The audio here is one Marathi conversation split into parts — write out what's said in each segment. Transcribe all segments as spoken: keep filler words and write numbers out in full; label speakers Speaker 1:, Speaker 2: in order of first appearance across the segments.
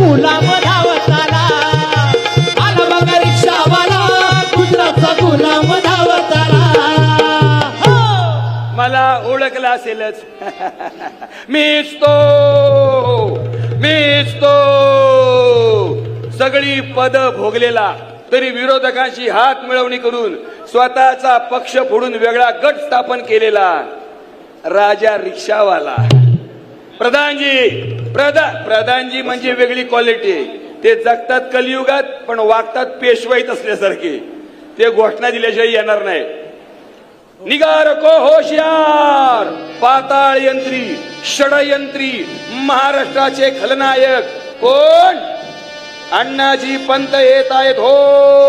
Speaker 1: गुलाम धावत आला, आला बघा रिक्षावाला गुजरातचा गुलाम धावत आला. हो.
Speaker 2: मला ओळखला असेलच. मीच तो मीच तो सगळी पद भोगलेला तरी विरोधकांशी हात मिळवणी करून स्वतःचा पक्ष फोडून वेगळा गट स्थापन केलेला राजा रिक्षावाला. प्रधानजी प्रधान प्रधानजी म्हणजे वेगळी क्वालिटी. ते जगतात कलियुगात पण वागतात पेशवाईत असल्यासारखे. ते घोषणा दिल्याशिवाय येणार नाही. निगार को होशियार, पाताळ यंत्री, षडयंत्री, महाराष्ट्राचे खलनायक कोण? अण्णाजी पंत येत आहेत हो.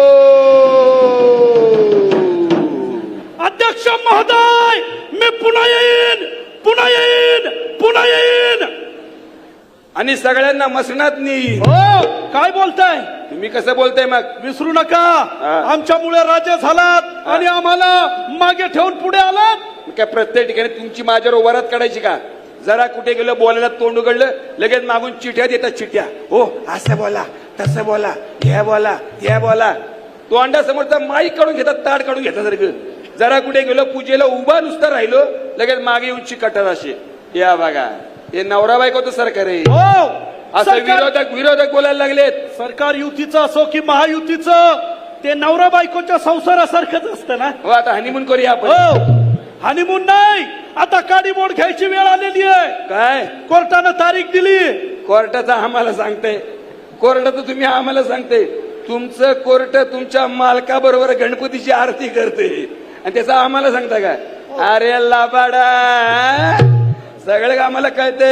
Speaker 3: अध्यक्ष महोदय, मी पुन्हा येईन, पुन्हा येईन, पुन्हा येईन.
Speaker 2: आणि सगळ्यांना मसणात नाही.
Speaker 3: हो, काय बोलताय
Speaker 2: तुम्ही कसं बोलताय मग?
Speaker 3: विसरू नका,
Speaker 2: हा.
Speaker 3: आमच्यामुळे राज्य झालात आणि आम्हाला मागे ठेवून पुढे आलात.
Speaker 2: काय प्रत्येक ठिकाणी तुमची माझ्यावर वरात काढायची का? जरा कुठे गेलं बोलायला तोंड उघडलं लगेच मागून चिठ्या देतात. चिठ्या हो असं बोला तसं बोला हे बोला हे बोला. तोंडासमोरचा माईक काढून घेतात, ताड काढून घेतात सारखं. जरा कुठे गेलो पूजेला उभा नुसता राहिलो लगेच मागे येऊन चिकटतात असे. या बघा हे नवरा बायकोचं सरकार आहे.
Speaker 3: हो,
Speaker 2: असं
Speaker 3: सरकार-
Speaker 2: विरोधक विरोधक बोलायला लागलेत.
Speaker 3: सरकार युतीचं असो की महायुतीचं, ते नवरा बायकोच्या संसारासारखंच असतं ना.
Speaker 2: हो आता हनीमून करूया आपण.
Speaker 3: हो, हनीमून नाही, आता काडी बोर्ड घ्यायची वेळ आलेली आहे.
Speaker 2: काय
Speaker 3: कोर्टानं तारीख दिली.
Speaker 2: कोर्टाचा आम्हाला सांगते, कोर्टाचं तुम्ही आम्हाला सांगते. तुमचं कोर्ट तुमच्या मालकाबरोबर गणपतीची आरती करते आणि त्याचा आम्हाला सांगता का? अरे लाबाडा, सगळं आम्हाला कळते.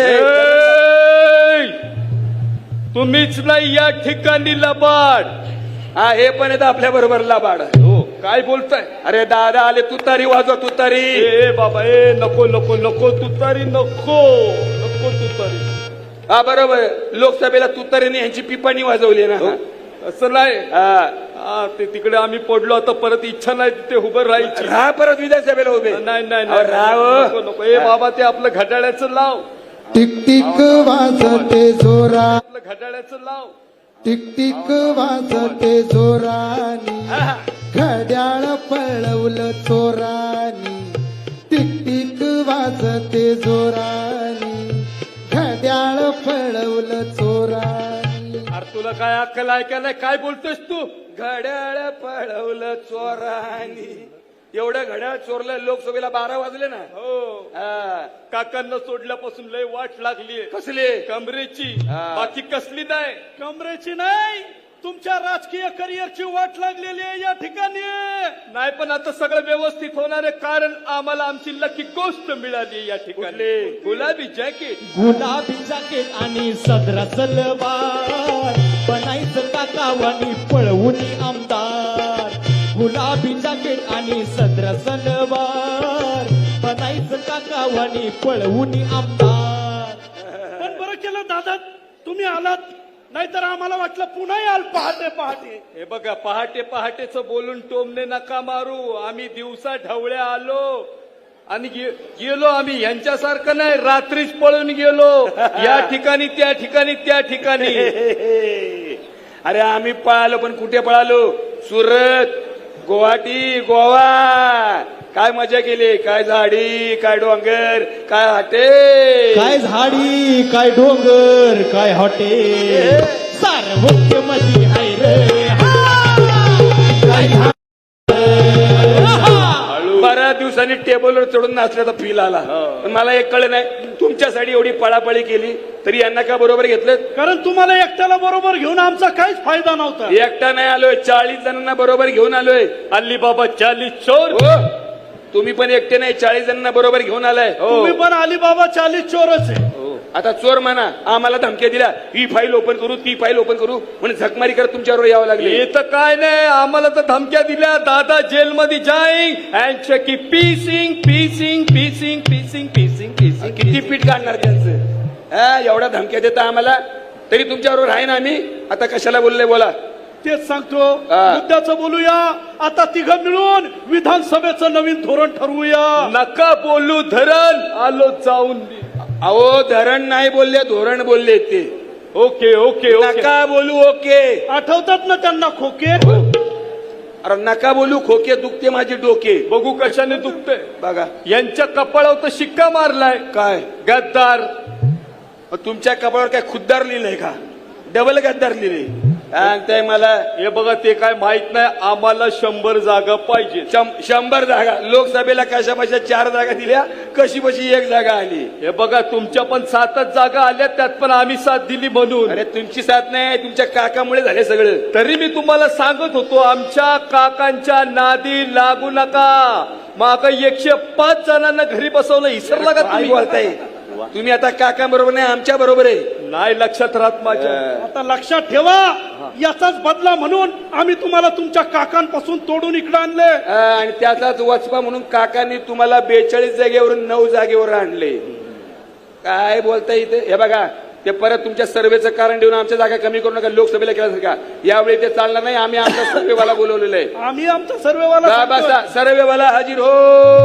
Speaker 3: तुम्हीच नाही या ठिकाणी लबाड.
Speaker 2: हा हे पण येतं आपल्या बरोबर लाबाड.
Speaker 3: हो, काय बोलताय?
Speaker 2: अरे दादा आले, तुतारी वाजवा तुतारी.
Speaker 3: ए बाबा, ए नको नको नको तुतारी, नको नको तुतारी.
Speaker 2: हा बरोबर, लोकसभेला तुतारीने यांची पिपाणी वाजवली ना.
Speaker 3: असं नाही.
Speaker 2: हा
Speaker 3: हा, ते तिकडे आम्ही पडलो, आता परत इच्छा नाही तिथे उभं राहायची.
Speaker 2: राहा परत विधानसभेला उभे.
Speaker 3: नाही नाही
Speaker 2: अहो, राहा हो.
Speaker 3: नको नको. ए बाबा, ते आपलं घड्याळ्याचं लाव,
Speaker 4: टिक टिक वाजते जोरा,
Speaker 3: आपलं घड्याळ्याचं लाव.
Speaker 4: टिक टिक वाजते जोरानी, घड्याळ पळवलं चोरानी. टिक टिक वाजते जोरानी, घड्याळ पळवलं चोरानी.
Speaker 3: अरे तुला काय अक्कल आहे का नाही? काय बोलतोस तू?
Speaker 2: घड्याळ पळवलं चोरानी. एवढं घड्याळ चोरलं, लोकसभेला बारा वाजले ना.
Speaker 3: हो,
Speaker 2: हा.
Speaker 3: काकांना सोडल्यापासून लय वाट लागली.
Speaker 2: कसले?
Speaker 3: कमरेची,
Speaker 2: हा.
Speaker 3: बाकी कसली नाही. कमरेची नाही, तुमच्या राजकीय करिअरची वाट लागलेली आहे या ठिकाणी. नाही पण आता सगळं व्यवस्थित होणार आहे, कारण आम्हाला आमची लकी गोष्ट मिळाली या ठिकाणी. गुलाबी जॅकेट,
Speaker 1: गुलाबी जॅकेट आणि सदरा सलवार, बनायचं काकावानी पळवून आमदार. गुलाबी जॅकेट आणि सदरा सलवार, बनायचं काकावानी पळवून आमदार.
Speaker 3: पण बरं केलं दादा तुम्ही आलात, नाहीतर आम्हाला वाटलं पुन्हा याल पहाटे पहाटे. हे बघा, पहाटे पहाटेच बोलून टोमने नका मारू. आम्ही दिवसा ढवळ्या आलो आणि गे- गेलो आम्ही. यांच्यासारखं नाही रात्रीच पळून गेलो या ठिकाणी त्या ठिकाणी त्या ठिकाणी.
Speaker 2: अरे आम्ही पळालो पण कुठे पळालो? सुरत, गुवाहाटी, गोवा. काय मजा केली, काय झाडी, काय डोंगर, काय हाटे,
Speaker 1: काय झाडी, काय डोंगर, काय हॉटेल, सार्वत्र्यमधी हाय रे. काय झाड,
Speaker 2: बऱ्याच दिवसांनी टेबलवर चढून नाचल्याचा फील आला. पण मला एक कळलं नाही, तुमच्यासाठी एवढी पळापळी केली तरी यांना का बरोबर घेतलं?
Speaker 3: कारण तुम्हाला एकट्याला बरोबर घेऊन आमचा काहीच फायदा नव्हता.
Speaker 2: एकटा नाही आलोय, चाळीस जणांना बरोबर घेऊन आलोय.
Speaker 3: अल्ली बाबा चालीस चोर.
Speaker 2: हो, तुम्ही पण एकटे नाही, चाळीस जणांना बरोबर घेऊन आलाय.
Speaker 3: तुम्ही पण अलीबाबा चालीस चोरच आहे.
Speaker 2: आता चोर म्हणा, आम्हाला धमक्या दिल्या, ही फाईल ओपन करू ती फाईल ओपन करू म्हणून झकमारी करत तुमच्यावर यावं लागले.
Speaker 3: हे तर काय नाही, आम्हाला तर धमक्या दिल्या, दादा जेलमध्ये जाईन अँड की पीसिंग पीसिंग पीसिंग पीसिंग पीसिंग पीसिंग.
Speaker 2: किती पीठ काढणार त्यांचं? हा, एवढ्या धमक्या देता आम्हाला तरी तुमच्याबरोबर आहे ना आम्ही. आता कशाला बोलले बोला.
Speaker 3: तेच सांगतो,
Speaker 2: हा.
Speaker 3: मुद्द्याचं बोलूया. आता तिघं मिळून विधानसभेचं नवीन धोरण ठरवूया. नका बोलू धरण, आलो जाऊन.
Speaker 2: अहो धरण नाही बोलले, धोरण बोलले ते.
Speaker 3: ओके ओके ओके
Speaker 2: नका बोलू ओके.
Speaker 3: आठवतात ना त्यांना खोके.
Speaker 2: अरे नका बोलू खोके, दुखते माझे डोके.
Speaker 3: बघू कशाने दुखतंय.
Speaker 2: बघा
Speaker 3: यांच्या कपाळावर तर शिक्का मारलाय.
Speaker 2: काय
Speaker 3: गद्दार.
Speaker 2: मग तुमच्या कपाळावर काय खुद्दार लिहिलंय का? डबल गद्दार लिहिले सांगताय मला.
Speaker 3: हे बघा ते काय माहित नाही. आम्हाला शंभर जागा पाहिजे.
Speaker 2: शं- शंभर जागा लोकसभेला कशा बशा चार जागा दिल्या, कशी बशी एक जागा आली.
Speaker 3: हे बघा तुमच्या पण सातच जागा आल्या, त्यात पण आम्ही साथ दिली म्हणून.
Speaker 2: अरे तुमची साथ नाही, तुमच्या काकामुळे झाले सगळं.
Speaker 3: तरी मी तुम्हाला सांगत होतो आमच्या काकांच्या नादी लागू नका. माग एकशे पाच जणांना घरी बसवलं, इसरला का
Speaker 2: काय
Speaker 3: तुम्ही?
Speaker 2: बोलताय तुम्ही? आता काका बरोबर नाही, आमच्या बरोबर आहे.
Speaker 3: नाही लक्षात राहत माझ्या.
Speaker 5: आता लक्षात ठेवा, याचाच बदला म्हणून आम्ही तुम्हाला तुमच्या काकांपासून तोडून इकडे आणले.
Speaker 2: हा, आणि त्याचाच वचपा म्हणून काकांनी तुम्हाला बेचाळीस जागेवरून नऊ जागेवर आणले. काय बोलताय इथे? हे बघा ते परत तुमच्या सर्वेचं कारण देऊन आमच्या जागा कमी करू नका, लोकसभेला केल्यासारखा. यावेळी ते चालणार नाही. आम्ही आमचा सर्वेवाला बोलवलेलं आहे.
Speaker 5: आम्ही आमचा सर्वेवाला
Speaker 2: बसा, सर्वेवाला हजीर हो.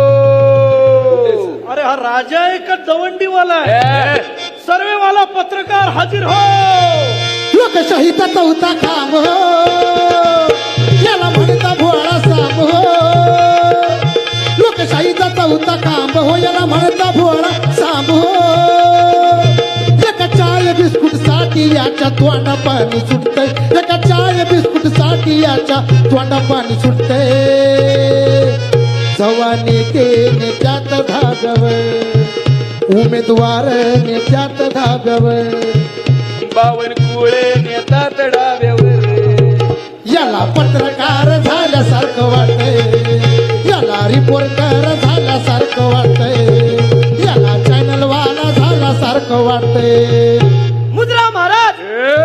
Speaker 5: अरे हा राजा आहे का दवंडीवाला आहे?
Speaker 2: ए,
Speaker 5: सर्वेवाला पत्रकार हाजीर हो.
Speaker 4: लोकशाहीचा चौथा खांब हो, याला म्हणता भोळा साम हो. लोकशाहीचा चौथा खांब हो, याला म्हणता भोळा साम हो. एका चाय बिस्कुट साठी याच्या तोंडा पाणी सुटतंय. एका चाय बिस्कुट साठी याच्या तोंडा पाणी सुटतंय. जवानी नेत्यात धाब्यावर, उमेदवार नेत्यात धाब्यावर,
Speaker 2: बावन कुळे नेतात डाव्यावर.
Speaker 4: याला पत्रकार झाल्यासारखं वाटतंय, याला रिपोर्टर झाल्यासारखं वाटतंय, याला चॅनलवाला झाल्यासारखं वाटतंय.
Speaker 5: मुद्रा महाराज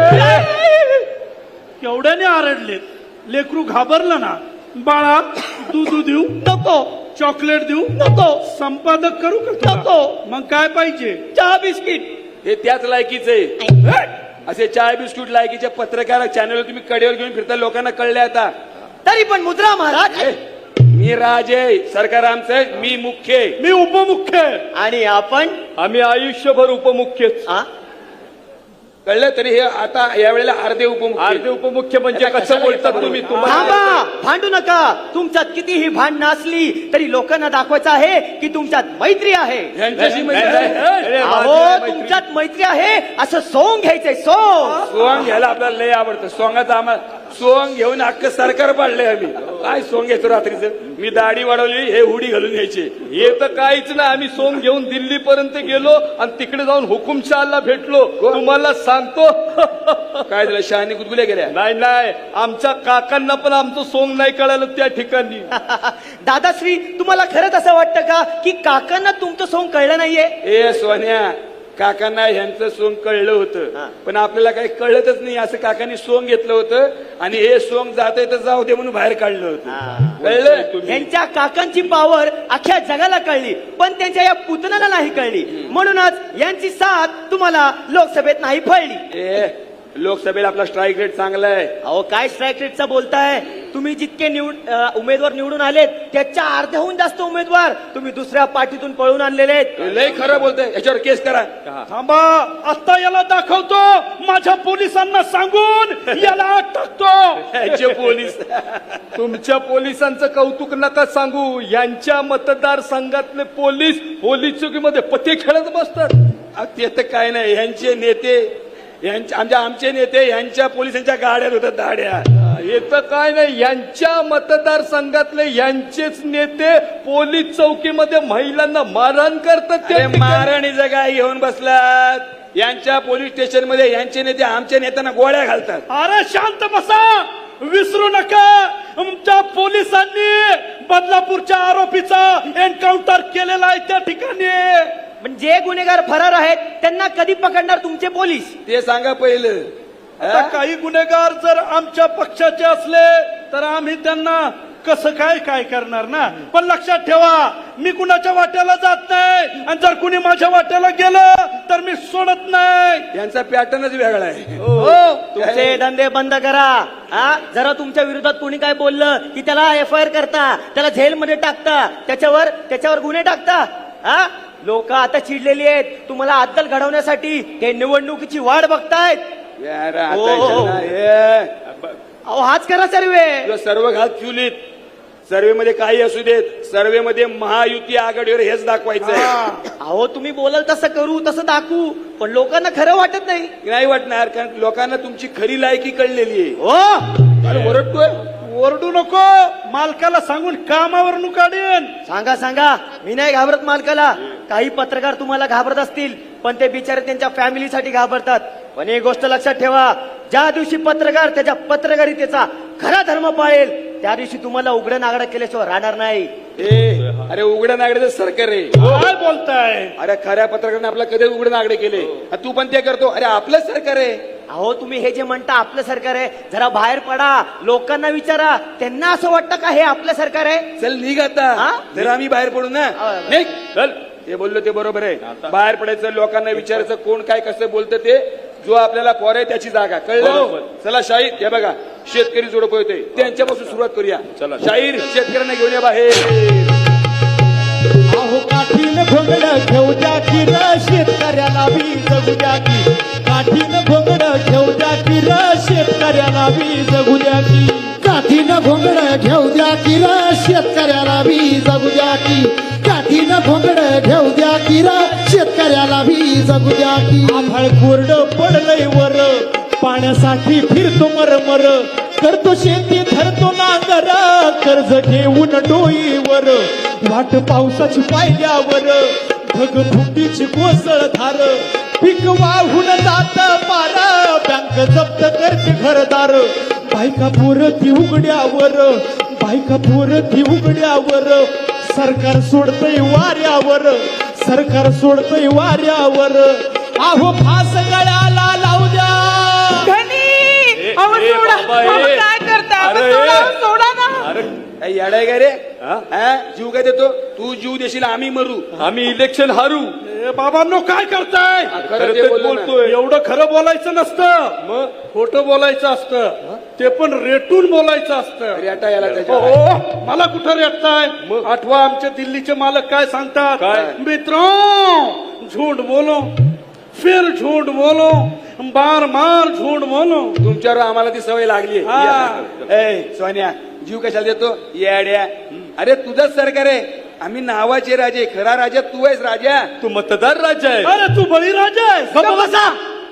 Speaker 5: केवढ्याने आरडले. लेकरू घाबरलं ना. बाळा दूध देऊ नको, चॉकलेट देऊ नको, संपादक करू का नको, मग काय पाहिजे? चहा बिस्किट.
Speaker 2: हे त्याच लायकीचे आहे. असे चाय बिस्कुट लायकीचे पत्रकार चॅनल तुम्ही कडेवर घेऊन फिरता, लोकांना कळले आता.
Speaker 6: तरी पण मुद्रा महाराज,
Speaker 2: ए, मी राजे, सरकार आमचं आहे, मी मुख्य आहे.
Speaker 5: मी उपमुख्य आहे.
Speaker 6: आणि आपण
Speaker 3: आम्ही आयुष्यभर उपमुख्यच.
Speaker 6: आ?
Speaker 2: कळलं? तरी हे आता यावेळेला अर्धे उपमुख्य.
Speaker 3: अर्धे उपमुख्य म्हणजे कसं बोलतात तुम्ही? तुम्हाला
Speaker 6: थांबा, भांडू नका. तुमच्यात कितीही भांडणं असली तरी लोकांना दाखवायचं आहे की तुमच्यात मैत्री आहे.
Speaker 2: यांच्याशी
Speaker 3: नाही,
Speaker 2: मैत्री
Speaker 3: नाही,
Speaker 2: आहे.
Speaker 3: अरे,
Speaker 6: अहो,
Speaker 3: माझी मैत्री-
Speaker 6: तुमच्यात मैत्री आहे असं सोंग घ्यायचंय. सोंग
Speaker 2: सोंग घ्यायला आपल्याला लय आवडतं. सोंगाचं आम्हाला सोंग घेऊन अख्खं सरकार पाडलंय आम्ही. काय सोंग घेतो रात्रीचं? मी दाढी वाढवली, हे हुडी घालून घ्यायचे.
Speaker 3: हे तर काहीच नाही. आम्ही सोंग घेऊन दिल्ली पर्यंत गेलो आणि तिकडे जाऊन हुकुमशहाला भेटलो. तुम्हाला सांगतो
Speaker 2: काय झालं? शहाणी गुदगुल्या गेल्या.
Speaker 3: नाही नाही, आमच्या काकांना पण आमचं सोंग नाही कळालं त्या ठिकाणी.
Speaker 6: दादाश्री, तुम्हाला खरंच असं वाटतं का की काकांना तुमचं सोंग कळलं नाहीये?
Speaker 2: ए सोन्या, काकांना ह्यांचं सोंग कळलं होतं, पण आपल्याला काही कळतच नाही. असं काकांनी सोंग घेतलं होतं आणि हे सोंग जाते तर जाऊ दे म्हणून बाहेर काढलं होतं. कळलं?
Speaker 6: यांच्या काकांची पावर अख्ख्या जगाला कळली, पण त्यांच्या या पुतण्याला नाही कळली. म्हणूनच यांची साथ तुम्हाला लोकसभेत नाही फळली.
Speaker 2: ए, लोकसभेला आपला स्ट्राईक रेट चांगला आहे.
Speaker 6: अहो, काय स्ट्राईक रेटचा बोलताय तुम्ही? जितके निवड अ, उमेदवार निवडून आलेत त्याच्या अर्ध्याहून जास्त उमेदवार तुम्ही दुसऱ्या पार्टीतून पळून आणलेले आहेत.
Speaker 2: लय खरं बोलतोय, याच्यावर केस करा.
Speaker 5: थांबा, आता याला दाखवतो. माझ्या पोलिसांना सांगून याला आत टाकतो.
Speaker 2: याचे पोलीस
Speaker 3: तुमच्या पोलिसांचं कौतुक नका सांगू. यांच्या मतदारसंघातले पोलीस पोलीस चौकीमध्ये पत्ते खेळत बसतात.
Speaker 2: अहो, ते तर काय नाही. यांचे नेते, यांच्या आमच्या आमचे नेते यांच्या पोलिसांच्या गाड्यात होतात दाड्या.
Speaker 3: हे तर काय नाही, यांच्या मतदारसंघातले यांचेच नेते पोलीस चौकीमध्ये महिलांना मारहाण करतात. त्या
Speaker 2: अरे
Speaker 3: ठिकाणी.
Speaker 2: मारणीचं काय घेऊन बसलात? यांच्या पोलीस स्टेशन मध्ये यांचे नेते आमच्या नेत्यांना गोळ्या घालतात.
Speaker 5: अरे शांत बसा, विसरू नका. आमच्या पोलिसांनी बदलापूरच्या आरोपीचा एन्काउंटर केलेला आहे त्या ठिकाणी.
Speaker 6: पण जे गुन्हेगार फरार आहेत त्यांना कधी पकडणार तुमचे पोलीस?
Speaker 2: ते सांगा पहिलं.
Speaker 5: आता काही गुन्हेगार जर आमच्या पक्षाचे असले तर आम्ही त्यांना कसं काय काय करणार ना. पण लक्षात ठेवा, मी कुणाच्या वाट्याला जात नाही आणि जर कुणी माझ्या वाट्याला गेलं तर मी सोडत नाही.
Speaker 2: यांचा पॅटर्नच वेगळा आहे.
Speaker 6: हो, तुमचे धंदे बंद करा. हा, जरा तुमच्या विरोधात कोणी काय बोललं की त्याला एफ आय आर करता, त्याला जेलमध्ये टाकता, त्याच्यावर त्याच्यावर गुन्हे टाकता. हा, लोक आता चिडलेली आहेत तुम्हाला अद्दल घडवण्यासाठी ते निवडणुकीची वाट बघतायत.
Speaker 2: यार,
Speaker 6: ओ,
Speaker 2: आता
Speaker 6: ओ.
Speaker 2: इथं ना, हे,
Speaker 6: अहो हाच करा सर्वे.
Speaker 2: तुला सर्व घात चुलीत सर्वे मध्ये काही असू देत, सर्वे मध्ये महायुती आघाडीवर हेच दाखवायचं आहे.
Speaker 6: अहो तुम्ही बोलाल तसं करू तसं दाखवू पण लोकांना खरं वाटत नाही.
Speaker 2: नाही वाटणार, कारण लोकांना तुमची खरी लायकी कळलेली आहे.
Speaker 6: हो
Speaker 2: अरे ओरडतोय.
Speaker 5: ओरडू नको, मालकाला सांगून कामावर काढेन.
Speaker 6: सांगा सांगा मी नाही घाबरत मालकाला. काही पत्रकार तुम्हाला घाबरत असतील पण ते बिचारे त्यांच्या फॅमिलीसाठी घाबरतात. पण एक गोष्ट लक्षात ठेवा, ज्या दिवशी पत्रकार त्याच्या पत्रकारितेचा खरा धर्म पाळेल त्या दिवशी तुम्हाला उघडं नागडं केल्याशिवाय राहणार नाही.
Speaker 2: ए, अरे उघड्या नागड्याचं सरकार आहे.
Speaker 5: काय बोलताय?
Speaker 2: अरे खऱ्या पत्रकाराने आपला कधी उघडे नागडे केले, आणि तू पण ते करतो. अरे आपलं सरकार आहे.
Speaker 6: अहो तुम्ही हे जे म्हणता आपलं सरकार आहे, जरा बाहेर पडा, लोकांना विचारा, त्यांना असं वाटतं का हे आपलं सरकार आहे?
Speaker 2: चल निघ आता,
Speaker 6: हा?
Speaker 2: जर आम्ही बाहेर पडू ना.
Speaker 6: हा.
Speaker 2: निघ चल. ते बोललो ते बरोबर आहे. बाहेर पडायचं, लोकांना विचारायचं कोण काय कसं बोलतं ते. जो आपल्याला पोर आहे त्याची जागा कळलं. चला शाहीर, हे बघा शेतकरी जोडप होते त्यांच्यापासून सुरुवात करूया. चला शाहीर, शेतकऱ्यांना घेऊन या बाहेर.
Speaker 1: अहो काठीनं घोंगड घेऊ द्या की र शेतकऱ्याला बी जगू द्या की. काठीनं घोंगड घेऊ द्या की र शेतकऱ्याला बी जगू द्या की.
Speaker 4: काठीनं घोंगड घेऊ द्या की र शेतकऱ्याला बी जगू द्या की. काठीनं घोंगड घेऊ द्या की र शेतकऱ्याला बी जगू द्या की.
Speaker 1: आभाळ कोरड पडलंय वर, पाण्यासाठी फिरतो मरमर. करतो शेती धरतो नांगर, कर्ज घेऊन डोईवर. वाट पावसाची पाहिल्यावर, ढगफुटीची कोसळ धार. पीक वाहून जात पार, बँक जप्त करते घरदार. बायका पोरती उघड्यावर, बायका पोरती उघड्यावर. सरकार सोडतय वाऱ्यावर, सरकार सोडतय वाऱ्यावर. अहो फास गळ्याला लावू द्या.
Speaker 3: अहो, सोडा. अहो, काय
Speaker 6: करता
Speaker 3: सोडा ना.
Speaker 2: अरे काय येडाय का रे? हा? जीव काय देतो तू? जीव देशील आम्ही मरू,
Speaker 5: आम्ही इलेक्शन हारू. ए बाबांनो काय करताय?
Speaker 2: खरं ते बोललो ना.
Speaker 5: बोलतोय. एवढं खरं बोलायचं नसतं, मग खोटं बोलायचं असतं. ते पण रेटून बोलायचं असतं.
Speaker 2: रेटा याला त्याच्या.
Speaker 5: हो, मला कुठं रेटताय? आठवा आमचे दिल्लीचे मालक काय सांगतात?
Speaker 2: काय?
Speaker 5: मित्रों, झूठ बोलो फिर झूठ बोलो, बार बार झूठ बोलो.
Speaker 2: तुमच्यावर आम्हाला ती सवय लागली.
Speaker 5: हा.
Speaker 2: ए सोन्या, जीव कशाला देतो येड्या? अरे तुझंच सरकार आहे, आम्ही नावाचे राजे, खरा राजा तू आहेस राजा.
Speaker 5: तू मतदार राजा आहे. अरे तू बळीराजा आहे.
Speaker 6: बसा.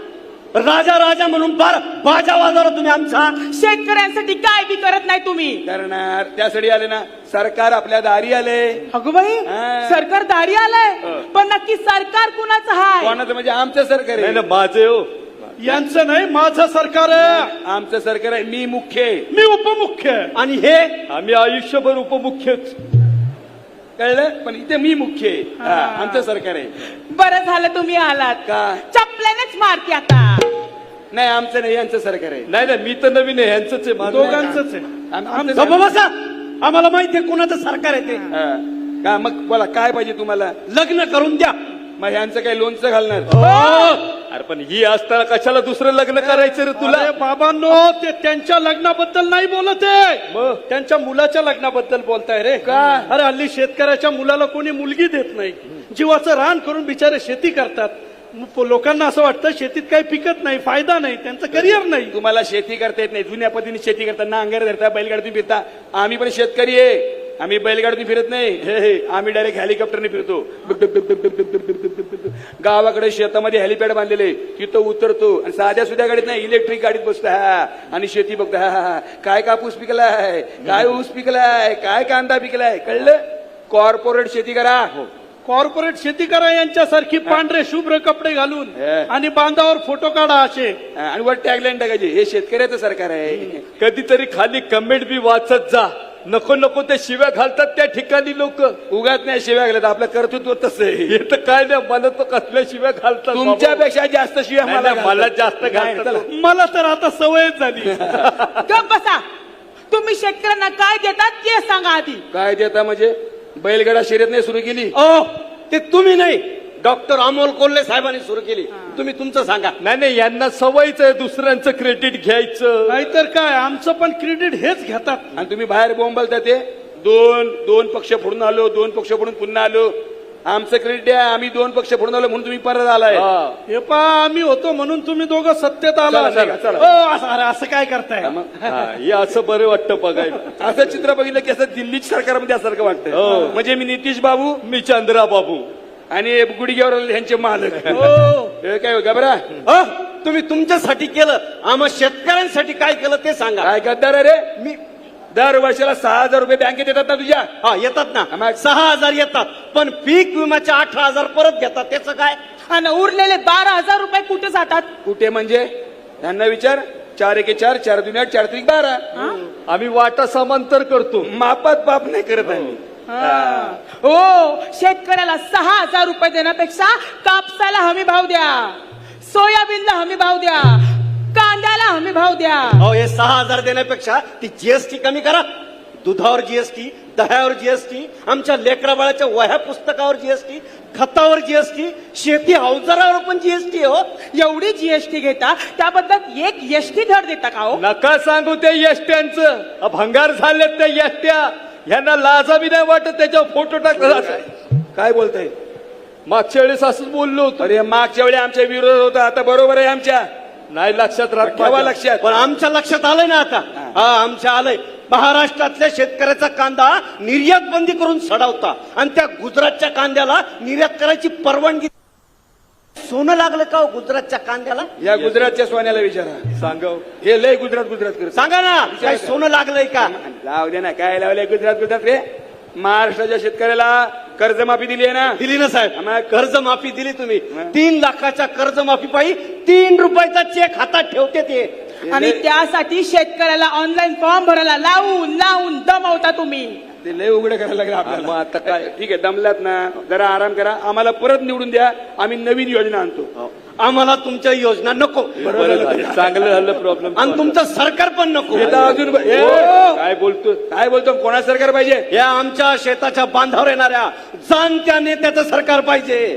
Speaker 6: राजा राजा म्हणून फार बाजा वाजवला तुम्ही आमचा. शेतकऱ्यांसाठी काय बी करत नाही तुम्ही.
Speaker 2: करणार त्यासाठी आले ना. सरकार आपल्या दारी आले.
Speaker 7: अगं बाई,
Speaker 2: हा.
Speaker 7: सरकार दारी आलंय, पण नक्की सरकार कुणाचं आहे?
Speaker 2: कोणाचं म्हणजे आमचं सरकार आहे.
Speaker 5: माझे हो, यांचं नाही, माझं सरकार आहे.
Speaker 2: आमचं सरकार आहे. मी मुख्य आहे.
Speaker 5: मी उपमुख्य आहे.
Speaker 6: आणि हे
Speaker 5: आम्ही आयुष्यभर उपमुख्यच.
Speaker 2: कळलं? पण इथे मी मुख्य आहे. हा, आमचं सरकार आहे.
Speaker 7: बरं झालं तुम्ही आलात.
Speaker 2: का?
Speaker 7: चपल्यानेच मारते आता.
Speaker 2: नाही आमचं नाही, यांचं सरकार आहे.
Speaker 5: नाही नाही, मी तर नवीन आहे, ह्यांचंच आहे, दोघांचंच आहे.
Speaker 2: आम- आमचं
Speaker 5: गप्प बसा. आम्हाला माहितीये कोणाचं सरकार आहे ते.
Speaker 2: हा. का मग बोला काय पाहिजे तुम्हाला?
Speaker 5: लग्न करून द्या.
Speaker 2: मग ह्यांचं काही लोणचं घालणार?
Speaker 5: अरे पण ही असताना कशाला दुसरं लग्न करायचं रे तुला? बाबांनो, ते त्यांच्या लग्नाबद्दल नाही बोलत आहे, मग त्यांच्या मुलाच्या लग्नाबद्दल बोलताय रे.
Speaker 2: का?
Speaker 5: अरे हल्ली शेतकऱ्याच्या मुलाला कोणी मुलगी देत नाही. जीवाचं रान करून बिचारे शेती करतात. मग लोकांना असं वाटतं शेतीत काही पिकत नाही, फायदा नाही, त्यांचं करिअर नाही.
Speaker 2: तुम्हाला शेती करता येत नाही. जुन्या पद्धतीने शेती करता, नांगर धरता, बैलगाडीतून फिरता. आम्ही पण शेतकरी आहे. आम्ही बैलगाडीतून फिरत नाही. हे हे आम्ही डायरेक्ट हेलिकॉप्टरने फिरतो. डुक डुक डुक डुक डुक डुक डुक डुक डुक डुक. गावाकडे शेतामध्ये हेलिपॅड बांधलेले, तिथं उतरतो आणि साध्या सुध्या गाडीत नाही, इलेक्ट्रिक गाडीत बसतो. हा, आणि शेती बघतो. हा हा, काय कापूस पिकलाय, काय ऊस पिकलाय, काय कांदा पिकलाय. कळलं? कॉर्पोरेट शेती करा.
Speaker 5: कॉर्पोरेट शेती करा यांच्यासारखी, पांढरे शुभ्र कपडे घालून
Speaker 2: हे.
Speaker 5: आणि बांधावर फोटो काढा असे.
Speaker 2: आणि वर टॅगलाईन टाकायची, हे शेतकऱ्याचं सरकार आहे.
Speaker 5: कधीतरी खाली कमेंट बी वाचत जा. नको नको ते शिव्या घालतात त्या ठिकाणी लोक.
Speaker 2: उगाच नाही शिव्या घालत, आपलं कर्तृत्व तसं आहे.
Speaker 5: हे तर काय नाही, मला तर कसल्या शिव्या घालतात.
Speaker 2: तुमच्यापेक्षा जास्त शिव्या
Speaker 5: नाही,
Speaker 2: मला
Speaker 5: नाही, मला
Speaker 2: घालतात.
Speaker 5: जास्त
Speaker 2: नाही,
Speaker 5: घालतात.
Speaker 2: चला.
Speaker 5: मला तर आता सवयच झाली.
Speaker 7: गप बसा. तुम्ही शेतकऱ्यांना काय देतात ते सांगा आधी.
Speaker 2: काय देता म्हणजे? बैलगाडा शर्यत नाही सुरू केली?
Speaker 5: ओ, ते तुम्ही नाही, डॉक्टर अमोल कोल्हे साहेबांनी सुरू केली. तुम्ही तुमचं सांगा. नाही नाही, यांना सवयच आहे दुसऱ्यांचं क्रेडिट घ्यायचं. नाहीतर काय, आमचं पण क्रेडिट हेच घेतात.
Speaker 2: आणि तुम्ही बाहेर बोंबलता ते दोन दोन पक्ष फोडून आलो, दोन पक्ष फोडून पुन्हा आलो. आमचं क्रेडिट आहे, आम्ही दोन पक्ष फोडून आलो म्हणून तुम्ही परत आलाय.
Speaker 5: हे पा आम्ही होतो म्हणून तुम्ही दोघं सत्तेत आला.
Speaker 2: चला, चला, चला.
Speaker 5: ओ, असं अरे, असं काय करताय?
Speaker 3: हे असं बरं वाटतं बघायला.
Speaker 2: असं चित्र बघितलं की असं दिल्ली सरकारमध्ये असल्यासारखं वाटतं. म्हणजे मी नितीश बाबू,
Speaker 3: मी चंद्रा बाबू
Speaker 2: आणि गुडघ्यावर यांचे मालक.
Speaker 5: हो.
Speaker 2: हे काय घबरा
Speaker 8: अ, तुम्ही तुमच्यासाठी केलं, आम्हा शेतकऱ्यांसाठी काय केलं ते सांगा.
Speaker 2: काय गद्दार रे?
Speaker 8: मी
Speaker 2: दर वर्षाला सहा हजार रुपये बँकेत येतात ना तुझ्या?
Speaker 8: हा येतात ना,
Speaker 2: आम्हा-
Speaker 8: सहा हजार येतात, पण पीक विम्याचे अठरा हजार परत घेतात, त्याचं काय?
Speaker 7: आणि उरलेले बारा हजार रुपये कुठे जातात?
Speaker 2: कुठे म्हणजे? त्यांना विचार. चार एके चार, चार दुनिया चार त्रिक बारा.
Speaker 3: आम्ही वाटा समांतर करतो.
Speaker 2: मापात पाप नाही करत आम्ही.
Speaker 7: हो, शेतकऱ्याला सहा हजार रुपये देण्यापेक्षा कापसाला हमी भाव द्या, सोयाबीनला हमी भाव द्या, कांद्याला हमी भाव द्या.
Speaker 8: अहो, हे सहा हजार देण्यापेक्षा ती जीएसटी कमी करा. दुधावर जीएसटी, दह्यावर जीएसटी, आमच्या लेकरा बाळाच्या वह्या पुस्तकावर जीएसटी, खतावर जीएसटी, शेती अवजारावर पण जीएसटी हो.
Speaker 7: एवढी जीएसटी घेता, त्याबद्दल एक एसटी धड देता का हो?
Speaker 3: नका सांगू ते यष्ट्यांचं. अ, भंगार झालेत त्या यष्ट्या. यांना लाजा बी नाही वाटत त्याच्यावर फोटो टाकला.
Speaker 2: काय बोलताय?
Speaker 3: मागच्या वेळेस असंच बोललो होतो.
Speaker 2: अरे मागच्या वेळी आमच्या विरोध होता, आता बरोबर आहे आमच्या.
Speaker 3: नाही लक्षात राहत
Speaker 2: ठेवा
Speaker 3: माझ्या.
Speaker 2: लक्षात.
Speaker 8: पण आमच्या लक्षात आलंय ना आता. हा, आमच्या आलंय. महाराष्ट्रातल्या शेतकऱ्याचा कांदा निर्यात बंदी करून सडवता आणि त्या गुजरातच्या कांद्याला निर्यात करायची परवानगी. सोनं लागलं का हो गुजरातच्या कांद्याला?
Speaker 2: या गुजरातच्या सोन्याला विचारा.
Speaker 3: सांगव.
Speaker 2: हे लय गुजरात गुजरात करत.
Speaker 8: सांगा ना, काय सोनं लागलंय का?
Speaker 2: लाव दे ना, काय लावलंय गुजरात गुजरात रे? महाराष्ट्राच्या शेतकऱ्याला कर्जमाफी दिली आहे ना?
Speaker 8: दिली ना साहेब.
Speaker 2: आम्हाला
Speaker 8: कर्जमाफी दिली तुम्ही. तीन लाखाच्या कर्जमाफी पायी तीन रुपयाचा चेक हातात ठेवते ते.
Speaker 7: आणि त्यासाठी शेतकऱ्याला ऑनलाईन फॉर्म भरायला लावून लावून दमवता तुम्ही.
Speaker 2: ते लय उघडं करायला लागलं
Speaker 3: मग
Speaker 2: आपल्याला.
Speaker 3: आता काय?
Speaker 2: ठीक आहे, दमलात ना, जरा आराम करा. आम्हाला परत निवडून द्या, आम्ही नवीन योजना आणतो.
Speaker 8: आम्हाला तुमच्या योजना नको.
Speaker 3: बरं झालं. चांगलं झालं प्रॉब्लेम.
Speaker 8: आणि तुमचं सरकार पण नको.
Speaker 2: हे तर अजून ए,
Speaker 3: काय बोलतो?
Speaker 2: काय बोलतो? कोणा सरकार पाहिजे?
Speaker 8: या आमच्या शेताच्या बांधावर येणाऱ्या जाणत्या नेत्याचं सरकार पाहिजे.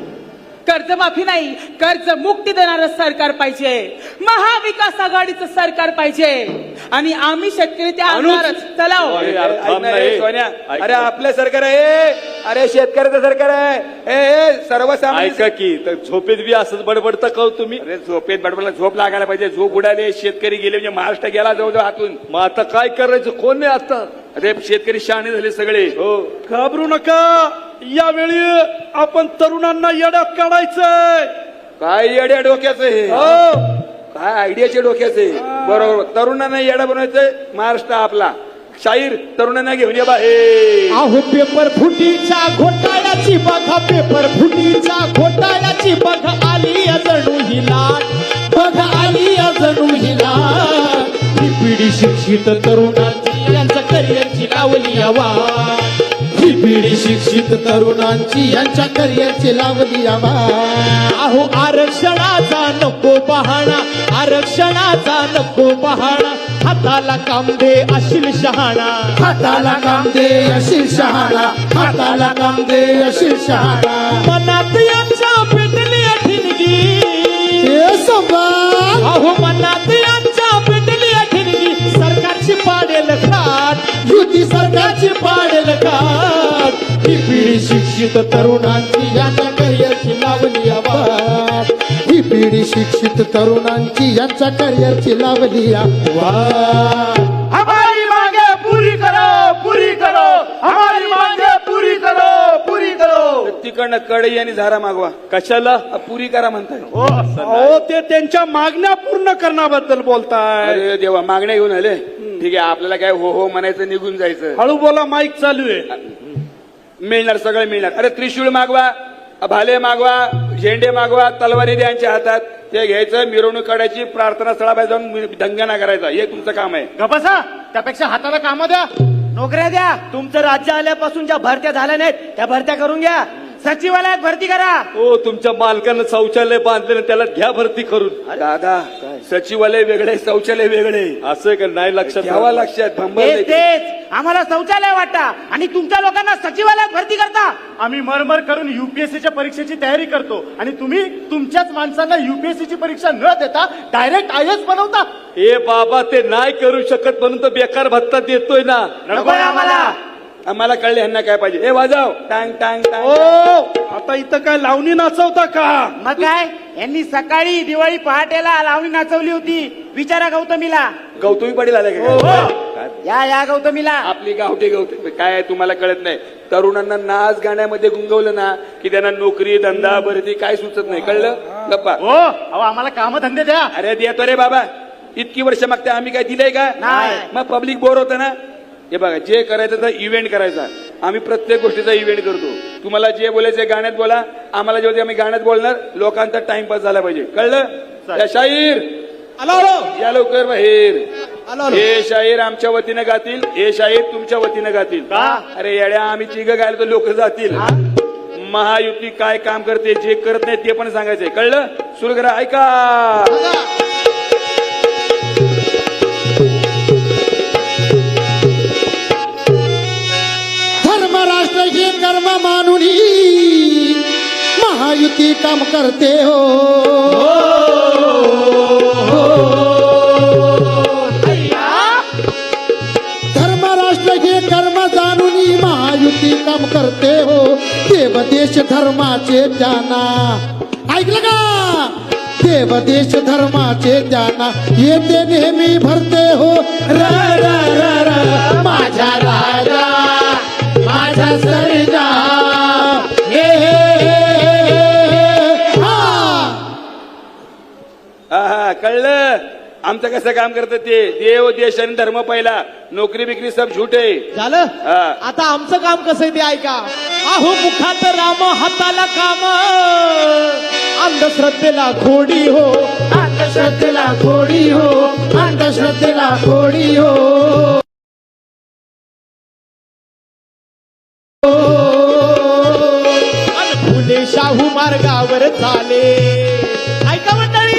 Speaker 7: कर्जमाफी नाही, कर्ज मुक्ती देणारं सरकार पाहिजे. महाविकास आघाडीचं सरकार पाहिजे. आणि आम्ही शेतकरी त्या आणणारच. चला हो.
Speaker 3: अरे,
Speaker 2: अरे,
Speaker 3: यार,
Speaker 2: ऐक
Speaker 3: थांब
Speaker 2: ना,
Speaker 3: ना,
Speaker 2: ए,
Speaker 3: ए.
Speaker 2: सोन्या.
Speaker 3: ऐक
Speaker 2: अरे
Speaker 3: ना.
Speaker 2: आपलं सरकार आहे. अरे शेतकऱ्याचं सरकार आहे. ए, ए सर्वसामान्य.
Speaker 3: ऐका की तर झोपेत बी असंच बडबडता का हो तुम्ही?
Speaker 2: अरे झोपेत बडबडला झोप लागायला पाहिजे. झोप उडाले, शेतकरी गेले म्हणजे महाराष्ट्र गेला जवळजवळ हातून.
Speaker 3: मग आता काय करायचं? कोण आहे आता?
Speaker 2: अरे शेतकरी शहाणे झाले सगळे.
Speaker 3: हो.
Speaker 5: घाबरू नका. यावेळी आपण तरुणांना येड्यात काढायचंय.
Speaker 2: काय येड्या डोक्याचं हे?
Speaker 5: हो.
Speaker 2: काय आयडियाच्या डोक्याचे. बरोबर, तरुणांना येडा बनवायचंय. महाराष्ट्र आपला. शाहीर तरुणांना घेऊन ये बा. हे
Speaker 1: अहो पेपर फुटीच्या घोटाळ्याची बघा, पेपर फुटीच्या घोटाळ्याची बघा, आली जणू ही लाट, बघा आली जणू ही लाट. ही पिढी शिक्षित तरुणांची यांच्या करिअरची लावली आवाज,
Speaker 4: ही पिढी शिक्षित तरुणांची यांच्या करिअरची लावली आवाज.
Speaker 1: अहो आरक्षणाचा नको बहाणा, आरक्षणाचा नको बहाणा, हाताला काम दे अशील शहाणा,
Speaker 4: हाताला काम दे अशील शहाणा, हाताला काम दे अशील शहाणा.
Speaker 1: मनात यांच्या पेटली ठिणगी,
Speaker 4: हे संभाळ.
Speaker 1: अहो मनात यांच्या पेटली ठिणगी, सरकारची पाडेल खाट,
Speaker 4: युती सरकारची पाडेल खाट. ही पिढी शिक्षित तरुणांची यांच्या करिअरची लावली आवाज, ही पिढी शिक्षित तरुणांची यांच्या करिअरची लावली आवाज.
Speaker 5: हमारी मांगे पूरी करो, पूरी करो, हमारी मांगे पूरी करो, पूरी करो.
Speaker 2: तिकडनं कढई आणि झारा मागवा.
Speaker 3: कशाला?
Speaker 2: अ, पुरी करा म्हणताय.
Speaker 5: अहो, ते त्यांच्या मागण्या पूर्ण करण्याबद्दल बोलताय.
Speaker 2: अरे देवा, मागण्या घेऊन आले. ठीक आहे, आपल्याला काय हो हो म्हणायचं, निघून जायचं.
Speaker 5: हळू बोला, माईक चालू आहे.
Speaker 2: मिळणार, सगळं मिळणार. अरे त्रिशूळ मागवा, भाले मागवा, झेंडे मागवा, तलवारी द्या यांच्या हातात. ते घ्यायचं, मिरवणूक काढायची, प्रार्थना स्थळाबाहेर जाऊन दंगाना करायचा. हे तुमचं काम आहे.
Speaker 6: गपासा, त्यापेक्षा हाताला काम द्या, नोकऱ्या द्या. तुमचं राज्य आल्यापासून ज्या भरत्या झाल्या नाहीत त्या भरत्या करून घ्या. सचिवालयात भरती करा.
Speaker 3: हो, तुमच्या मालकानं शौचालय बांधलेलं, त्याला घ्या भरती करून.
Speaker 2: दादा, सचिवालय वेगळे, शौचालय वेगळे.
Speaker 3: असं आहे का? नाही लक्षात
Speaker 2: घ्यावा लक्षात. भंबल
Speaker 6: तेच तेच आम्हाला शौचालय वाटा आणि तुमच्या लोकांना सचिवालयात भरती करता.
Speaker 9: आम्ही मरमर करून युपीएससीच्या परीक्षेची तयारी करतो आणि तुम्ही तुमच्याच माणसांना युपीएससीची परीक्षा न देता डायरेक्ट आय एस बनवता.
Speaker 3: ए बाबा, ते नाही करू शकत म्हणून तर बेकार भत्ता देतोय ना.
Speaker 6: नको आम्हाला.
Speaker 2: आम्हाला कळले ह्यांना काय पाहिजे. हे वाजव टांग टांग
Speaker 5: ओ
Speaker 2: टांग.
Speaker 5: आता इथं काय लावणी नाचवता का?
Speaker 6: मग काय यांनी सकाळी दिवाळी पहाटेला लावणी नाचवली होती. विचारा गौतमीला.
Speaker 2: गौतमी पाटील आले
Speaker 5: हो,
Speaker 2: का?
Speaker 5: हो.
Speaker 2: काय?
Speaker 6: या या गौतमीला.
Speaker 2: आपली गावठी गवठी काय आहे तुम्हाला कळत नाही. तरुणांना नाच गाण्यामध्ये गुंगवलं ना की त्यांना नोकरी धंदा भरती काय सुचत नाही. कळलं गप्पा.
Speaker 9: हो अहो आम्हाला कामधंदे द्या.
Speaker 2: अरे देतो रे बाबा. इतकी वर्ष मागते आम्ही काय दिलंय का?
Speaker 6: नाही.
Speaker 2: मग पब्लिक बोर होतं ना. हे बघा जे करायचं तर इव्हेंट करायचा. आम्ही प्रत्येक गोष्टीचा इव्हेंट करतो. तुम्हाला जे बोलायचं गाण्यात बोला. आम्हाला जेव्हा आम्ही गाण्यात बोलणार लोकांचा टाइमपास झाला पाहिजे. कळलं? या शाहीर
Speaker 1: आलो आलो
Speaker 2: या लवकर बाहेर.
Speaker 1: आलो आलो.
Speaker 2: हे शाहीर आमच्या वतीनं गातील. हे शाहीर तुमच्या वतीनं गातील. अरे येड्या आम्ही तिघ गायला तर लोक जातील. महायुती काय काम करते जे करत नाही ते पण सांगायचंय. कळलं? सुरू करा. ऐका.
Speaker 4: धर्म राष्ट्र हे कर्म मानुनी महायुती काम करते हो. धर्म राष्ट्र हे कर्म जाणूनी महायुती काम करते हो. देव देश धर्माचे जाना. ऐकलं का? देव देश धर्माचे जाना येते नेहमी भरते हो. र र र र माझ्या राजा माझा सर्जा हे हे, हे, हे, हा.
Speaker 2: हा हा कळलं. आमचं कसं काम करतं ते. देव देश आणि धर्म पहिला. नोकरी बिकरी सब झूठे.
Speaker 1: झालं
Speaker 2: हा.
Speaker 1: आता आमचं काम कसं आहे ते ऐका. अहो मुखात राम हाताला काम अंधश्रद्धेला खोडी हो.
Speaker 4: अंधश्रद्धेला खोडी हो. अंधश्रद्धेला खोडी हो.
Speaker 1: अन फुले शाहू मार्गावर चाले. ऐका मंडळी.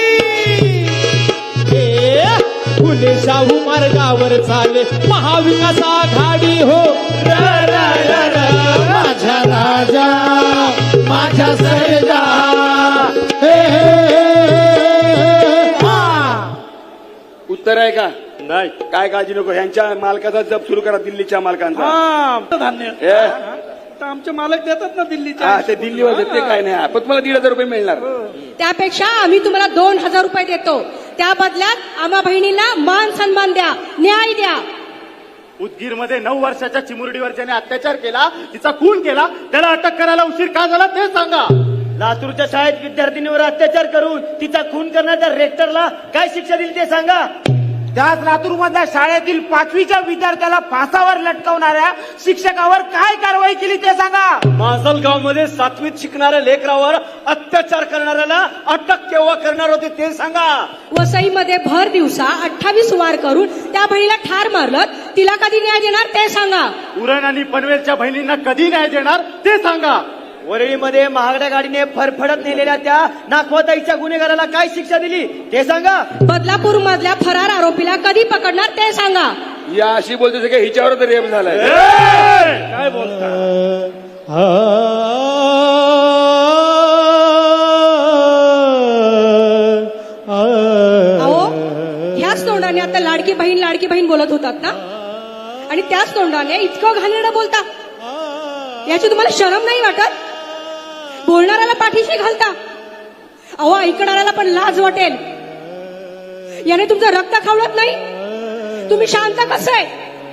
Speaker 1: ए, फुले शाहू मार्गावर चाले महाविकास आघाडी हो. र, र, र, र.
Speaker 4: माझा राजा माझा सर्जा हे, हे, हे, हा.
Speaker 2: उत्तर आहे का?
Speaker 5: नाही.
Speaker 2: काय काळजी नको. ह्यांच्या मालकाचा जप सुरू करा. दिल्लीच्या मालकांचा.
Speaker 5: हा धान्य
Speaker 2: हे?
Speaker 5: तर आमचे मालक देतात ना दिल्लीच्या.
Speaker 2: हा ते दिल्लीवर देते काय नाही. पण तुम्हाला दीड हजार रुपये मिळणार.
Speaker 10: त्यापेक्षा आम्ही तुम्हाला दोन हजार रुपये देतो. त्या बदल्यात आम्हा बहिणींना मान सन्मान द्या, न्याय द्या.
Speaker 9: उदगीर मध्ये नऊ वर्षाच्या चिमुरडीवर ज्याने अत्याचार केला तिचा खून केला त्याला अटक करायला उशीर का झाला ते सांगा.
Speaker 6: लातूरच्या शाळेत विद्यार्थिनीवर अत्याचार करून तिचा खून करण्याच्या रेक्टरला काय शिक्षा दिली ते सांगा. त्याच लातूर मधल्या शाळेतील पाचवीच्या विद्यार्थ्याला फासावर लटकवणाऱ्या शिक्षकावर काय कारवाई केली ते सांगा.
Speaker 8: माजलगाव मध्ये सातवीत शिकणाऱ्या लेकरावर अत्याचार करणाऱ्याला अटक केव्हा करणार होते ते सांगा.
Speaker 10: वसईमध्ये भर दिवसा अठ्ठावीस वार करून त्या बहिणीला ठार मारलं. तिला कधी न्याय देणार ते सांगा.
Speaker 9: उरण आणि पनवेलच्या बहिणींना कधी न्याय देणार ते सांगा.
Speaker 6: वरळीमध्ये महागड्या गाडीने फरफडत नेलेल्या त्या नाखवताईच्या गुन्हेगाराला काय शिक्षा दिली ते सांगा.
Speaker 10: बदलापूर मधल्या फरार आरोपीला कधी पकडणार ते सांगा.
Speaker 2: या अशी बोलते की हिच्यावर तर रेप झालाय.
Speaker 5: काय बोलता?
Speaker 10: अहो ह्याच तोंडाने आता लाडकी बहीण लाडकी बहीण बोलत होतात ना. आणि त्याच तोंडाने इतकं घाणेरडं बोलता. याची तुम्हाला शरम नाही वाटत? बोलणाऱ्याला पाठीशी घालता. अहो ऐकणाऱ्याला पण लाज वाटेल. याने तुमचं रक्त खवळत नाही. तुम्ही शांत कसं आहे?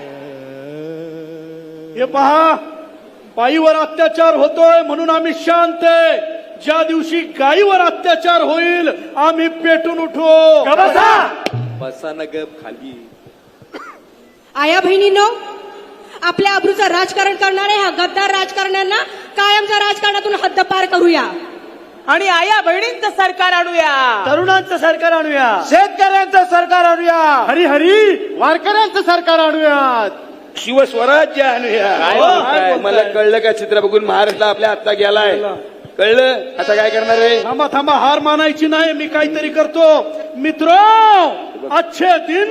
Speaker 5: हे पहा बाईवर अत्याचार होतोय म्हणून आम्ही शांत आहे. ज्या दिवशी गाईवर अत्याचार होईल आम्ही पेटून उठू.
Speaker 2: बसा न गप खाली.
Speaker 10: आया बहिणींनो, आपल्या अब्रूचं राजकारण करणाऱ्या ह्या गद्दार राजकारण्यांना कायमच्या राजकारणातून हद्दपार करूया.
Speaker 7: आणि आया बहिणींचं सरकार आणूया.
Speaker 6: तरुणांचं सरकार आणूया. शेतकऱ्यांचं सरकार आणूया.
Speaker 9: हरी हरी वारकऱ्यांचं सरकार आणूयात.
Speaker 2: शिवस्वराज्य आणूया. काय मला कळलं का? चित्र बघून महाराष्ट्र आपल्या आत्ता गेलाय. कळलं? आता काय करणार आहे?
Speaker 5: थांबा थांबा हार मानायची नाही. मी काहीतरी करतो. मित्र अच्छे दिन.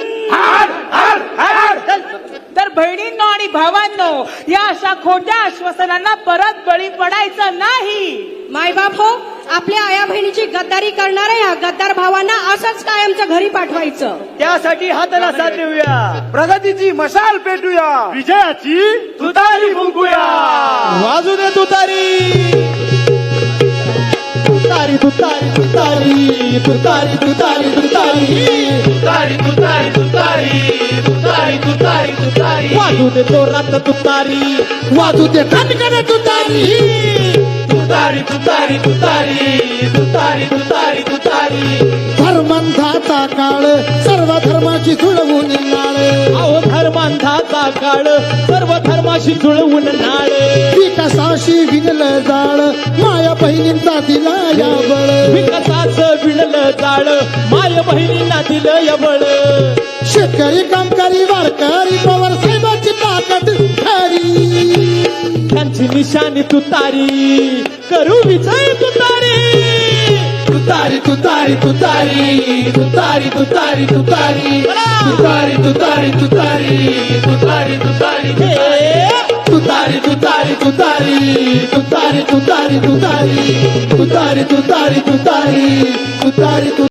Speaker 7: तर बहिणींनो आणि भावांनो, या अशा खोट्या आश्वासनांना परत बळी पडायचं नाही.
Speaker 10: मायबाप हो, आपल्या आया बहिणीची गद्दारी करणाऱ्या या गद्दार भावांना असंच कायमचं घरी पाठवायचं.
Speaker 6: त्यासाठी हाताला साथ देऊया,
Speaker 8: प्रगतीची मशाल पेटूया,
Speaker 9: विजयाची
Speaker 8: तुतारी फुंकूया.
Speaker 1: वाजू दे तुतारी तुतारी तुतारी तुतारी तुतारी तुतारी तुतारी
Speaker 8: तुतारी तुतारी तुतारी तुतारी तुतारी तुतारी
Speaker 1: वाजू दे जोरात तुतारी
Speaker 4: वाजू दे ठणकन तुतारी.
Speaker 8: तुतारी तुतारी तुतारी तुतारी तुतारी तुतारी.
Speaker 4: धर्मांधाचा काळ सर्व धर्माची जुळवून नाळ.
Speaker 1: अहो धर्मांधाचा काळ सर्व धर्माशी जुळवून नाळ.
Speaker 4: विकासाशी विणलं जाळ माया बहिणींचा दिला या बळ.
Speaker 1: विकासाचं विणलं जाळ माय बहिणींना दिलं यबळ.
Speaker 4: शेतकरी कामकरी वारकरी पवार साहेबांची ताकद खरी.
Speaker 1: त्यांची निशाणी तुतारी करू विजय तुतारी.
Speaker 8: तुतारी तुतारी तुतारी तुतारी तुतारी तुतारी तुतारी तुतारी तुतारी तुतारी तुतारी
Speaker 1: हे
Speaker 8: तुतारी तुतारी तुतारी तुतारी तुतारी तुतारी तुतारी तुतारी तुतारी तुतारी